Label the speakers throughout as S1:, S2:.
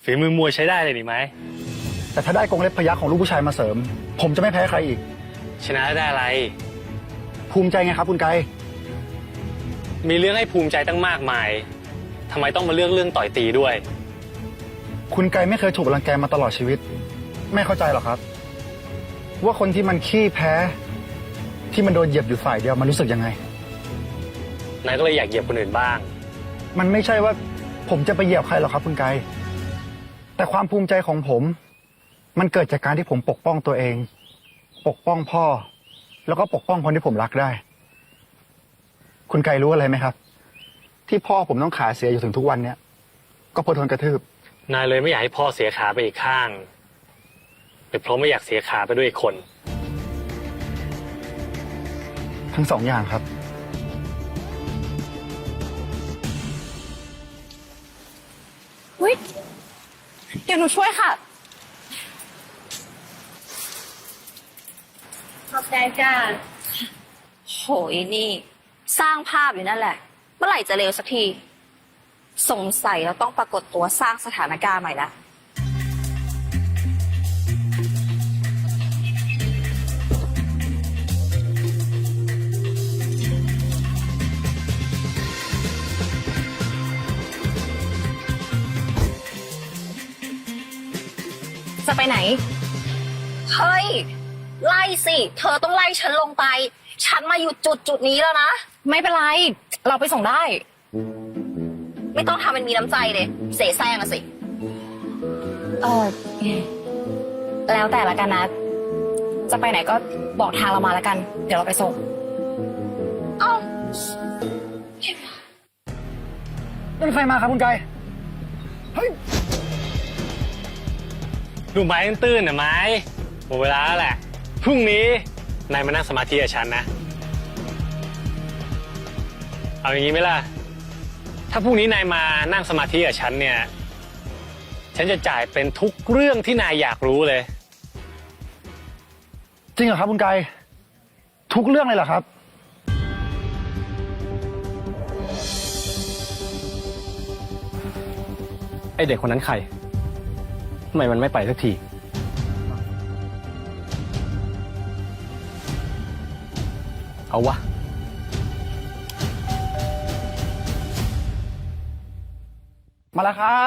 S1: ฝีมือมวยใช้ได้เลยนี่ไหม
S2: แต่ถ้าได้กรงเล็บพยัคฆ์ของลูกผู้ชายมาเสริม ผมจะไม่แพ้ใครอีก
S1: ชนะได้อะไร
S2: ภูมิใจไงครับคุณไกร
S1: มีเรื่องให้ภูมิใจตั้งมากมายทำไมต้องมาเลือกเรื่องต่อยตีด้วย
S2: คุณไกรไม่เคยถูกรังแกมาตลอดชีวิต ไม่เข้าใจหรอกครับ ว่าคนที่มันขี้แพ้ ที่มันโดนเหยียบอยู่ฝ่ายเดียวมันรู้สึกยังไง
S1: นายก็เลยอยากเหยียบคนอื่นบ้าง
S2: มันไม่ใช่ว่าผมจะไปเหยียบใครหรอกครับคุณไกรแต่ความภูมิใจของผม มันเกิดจากการที่ผมปกป้องตัวเอง ปกป้องพ่อ แล้วก็ปกป้องคนที่ผมรักได้ คุณไกรรู้อะไรไหมครับ ที่พ่อผมต้องขาเสียอยู่ถึงทุกวันเนี้ยก็เพราะโดนกระทืบ
S1: นายเลยไม่อยากให้พ่อเสียขาไปอีกข้างหรือเพราะไม่อยากเสียขาไปด้วยอีกคน
S2: ทั้งสองอย่างครับ
S3: อุ๊ยเดี๋ยวหนูช่วยค่ะ
S4: ขอบใจจ้า
S3: โหยนี่ สร้างภาพอยู่นั่นแหละ เมื่อไหร่จะเร็วสักที สงสัยเราต้องปรากฏตัวสร้างสถานการณ์ใหม่ละจะไปไหน เฮ้ย ไล่สิ เธอต้องไล่ฉันลงไป ฉันมาอยู่จุดนี้แล้วนะ ไม่เป็นไร เราไปส่งได้ ไม่ต้องทำเป็นมีน้ำใจเลย เสแสร้งอะสิ แล้วแต่ละกันนะ จะไปไหนก็บอกทางเรามาแล้วกัน เดี๋ยวเราไปส่ง เอ้า
S2: เป็นใครมาครับคุณไกรเฮ้ย
S1: ดูไม้ตื้นๆน่ะไม้หมดเวลาแล้วแหละ พรุ่งนี้นายมานั่งสมาธิกับฉันนะ เอาอย่างนี้ไหมล่ะ ถ้าพรุ่งนี้นายมานั่งสมาธิกับฉันเนี่ย ฉันจะจ่ายเป็นทุกเรื่องที่นายอยากรู้เลย
S2: จริงเหรอครับคุณไกรทุกเรื่องเลยเหรอครับ
S5: ไอเด็กคนนั้นใคร ทำไมมันไม่ไปสักที เอาวะ
S2: มาแล้วครับ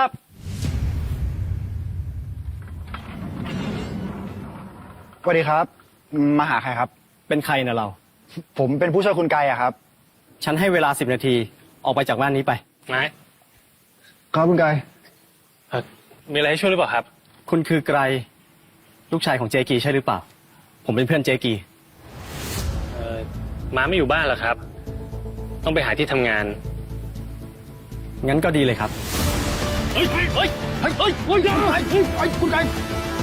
S2: สวัสดีครับ มาหาใครครับ
S5: เป็นใครนะเรา
S2: ผมเป็นผู้ช่วยคุณไกรอะครับ
S5: ฉันให้เวลา10 นาที ออกไปจากบ้านนี้ไป
S1: นาย
S2: ครับคุณไกร
S1: มีอะไรให้ช่วยหรือเปล่าครับ
S5: คุณคือไกรลูกชายของเจกีใช่หรือเปล่า ผมเป็นเพื่อนเจกี
S1: ม้าไม่อยู่บ้านเหรอครับ ต้องไปหาที่ทำงาน
S5: งั้นก็ดีเลยครับ
S1: เฮ้ย เฮ้ย เฮ้ย เฮ้ย เฮ้ย
S2: คุณไกร